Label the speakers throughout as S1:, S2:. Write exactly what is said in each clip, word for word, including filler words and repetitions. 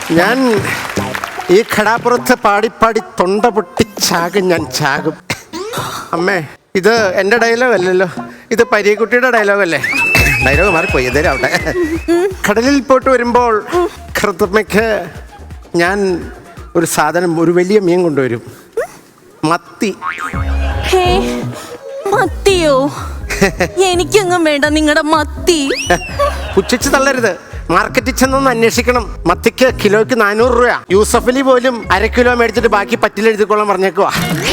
S1: ഞാൻ ഈ ഘടാപ്പുറത്ത് പാടിപ്പാടി തൊണ്ട പൊട്ടി ചാകും, ഞാൻ ചാകും. അമ്മേ, ഇത് എൻ്റെ ഡയലോഗ് അല്ലല്ലോ, ഇത് പരീക്കുട്ടിയുടെ ഡയലോഗ് അല്ലേ? ഡയലോഗ് മാറിപ്പോയി, എന്തേലും ആവട്ടെ. കടലിൽ പോയിട്ട് വരുമ്പോൾ കറുത്തമ്മയ്ക്ക് ഞാൻ ഒരു സാധനം, ഒരു വലിയ മീൻ കൊണ്ടുവരും. മത്തി.
S2: മത്തിയോ? എനിക്കെങ്ങും വേണ്ട നിങ്ങളുടെ മത്തി.
S1: പുച്ഛിച്ച് തള്ളരുത്. മാർക്കറ്റിൽ ചെന്നൊന്ന് അന്വേഷിക്കണം. മത്തിക്ക് കിലോയ്ക്ക് നാനൂറ് രൂപ. യൂസഫലി പോലും അര കിലോ മേടിച്ചിട്ട് ബാക്കി പറ്റിലെഴുതിക്കോളാൻ പറഞ്ഞേക്കുവാ.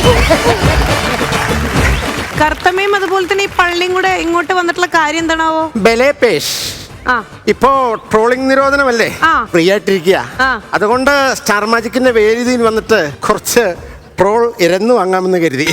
S3: കറുത്തമ്മയും അതുപോലെ തന്നെ ഈ പള്ളിയും കൂടെ ഇങ്ങോട്ട് വന്നിട്ടുള്ള കാര്യം എന്താണാവോ?
S1: ബലേപേഷ്. ഇപ്പോ ട്രോളിംഗ് നിരോധനമല്ലേ, ഫ്രീ ആയിട്ടിരിക്കുക. അതുകൊണ്ട് സ്റ്റാർ മാജിക്കിന്റെ വേദിയിൽ വന്നിട്ട് കുറച്ച് ട്രോൾ ഇരന്നു വാങ്ങാമെന്ന് കരുതി.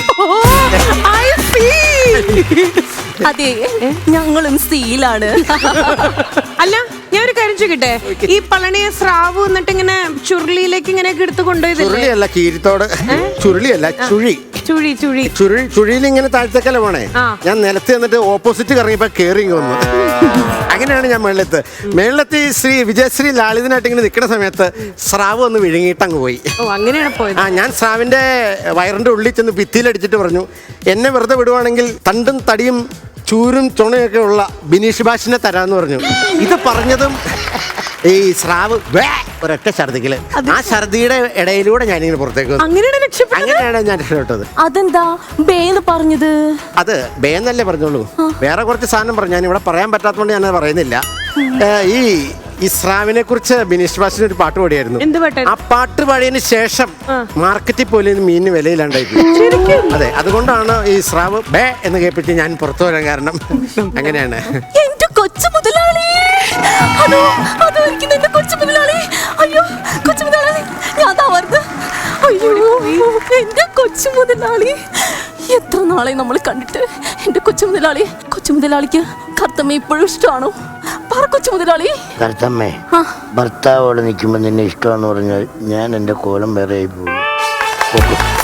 S2: അതെ, ഞങ്ങളും സീലാണ്.
S3: അല്ല, ഞാൻ ഒരു കാര്യം ചോദിക്കട്ടെ, ഈ പളനിയെ സ്രാവ് എന്നിട്ട് ഇങ്ങനെ ചുരുളിയിലേക്ക് ഇങ്ങനെയൊക്കെ എടുത്ത് കൊണ്ടുപോയത്?
S1: ചുരുളിയല്ല, കീരിത്തോട്. ചുരുളിയല്ല, ചുഴി.
S3: ചുഴി ചുഴി
S1: ചുഴി ചുഴിയിൽ ഇങ്ങനെ താഴ്ത്തേക്കല്ല പോണേ. ഞാൻ നിലത്ത് എന്നിട്ട് ഓപ്പോസിറ്റ് കറങ്ങിയപ്പോ കേറി വന്നു. അങ്ങനെയാണ് ഞാൻ മേളത്ത് മേളത്തി ശ്രീ വിജയശ്രീ ലാളിതനായിട്ട് ഇങ്ങനെ നിൽക്കുന്ന സമയത്ത് സ്രാവ് ഒന്ന് വിഴുങ്ങിയിട്ടങ്ങ് പോയി.
S3: അങ്ങനെയാണ് പോയത്. ആ,
S1: ഞാൻ സ്രാവിന്റെ വയറിന്റെ ഉള്ളിൽ ചെന്ന് ഭിത്തിയിലടിച്ചിട്ട് പറഞ്ഞു, എന്നെ വെറുതെ വിടുവാണെങ്കിൽ തണ്ടും തടിയും ചൂരും ചുണയൊക്കെ ഉള്ള ബിനീഷ് ബാഷിനെ തരാന്ന് പറഞ്ഞു. ഇത് പറഞ്ഞതും ഈ സ്രാവ് ഒരൊറ്റ ഛർദിക്കല്. ആ ഛർദിയുടെ ഇടയിലൂടെ ഞാനിങ്ങനെ പുറത്തേക്ക് വന്നു. അങ്ങനെയാണ് ഞാൻ രക്ഷപ്പെട്ടത്.
S2: അതെന്താ ബേന്ന് പറഞ്ഞത്? അത്
S1: ബേന്നല്ലേ പറഞ്ഞോളൂ, വേറെ കുറച്ച് സാധനം പറഞ്ഞു. ഞാൻ ഇവിടെ പറയാൻ പറ്റാത്തതുകൊണ്ട് ഞാനത് പറയുന്നില്ല. ഈ ഇസ്രാവിനെ കുറിച്ച് ബിനീഷ് ബാസിന് ഒരു പാട്ട് പാടിയായിരുന്നു. ആ പാട്ട് പാടിയതിന് ശേഷം മാർക്കറ്റിൽ പോലും മീനിന് വിലയില്ലാണ്ടായി. അതെ, അതുകൊണ്ടാണ് ഈ സ്രാവ് ബേ എന്ന് കേൾപ്പിച്ച് ഞാൻ പുറത്തു വരാൻ കാരണം. അങ്ങനെയാണ്.
S2: എന്റെ കൊച്ചു മുതലാളി, അതോ അതോ എന്റെ കൊച്ചു മുതലാളി. അയ്യോ, കൊച്ചു മുതലാളി, ഞാൻ താവർന്ന്. അയ്യോ, എന്റെ കൊച്ചു മുതലാളി, എത്ര നാളെ നമ്മൾ കണ്ടിട്ട്. എന്റെ കൊച്ചു മുതലാളി, കൊച്ചു മുതലാളിക്ക് കറുത്തമ്മ ഇപ്പോഴും ഇഷ്ടമാണോ? പറ കൊച്ചു മുതലാളി.
S4: കറുത്തമ്മേ, ഭർത്താവോടെ നിൽക്കുമ്പോൾ നിന്നെ ഇഷ്ടമാണെന്ന് പറഞ്ഞാൽ ഞാൻ എൻ്റെ കോലം വേറെ ആയി പോകും.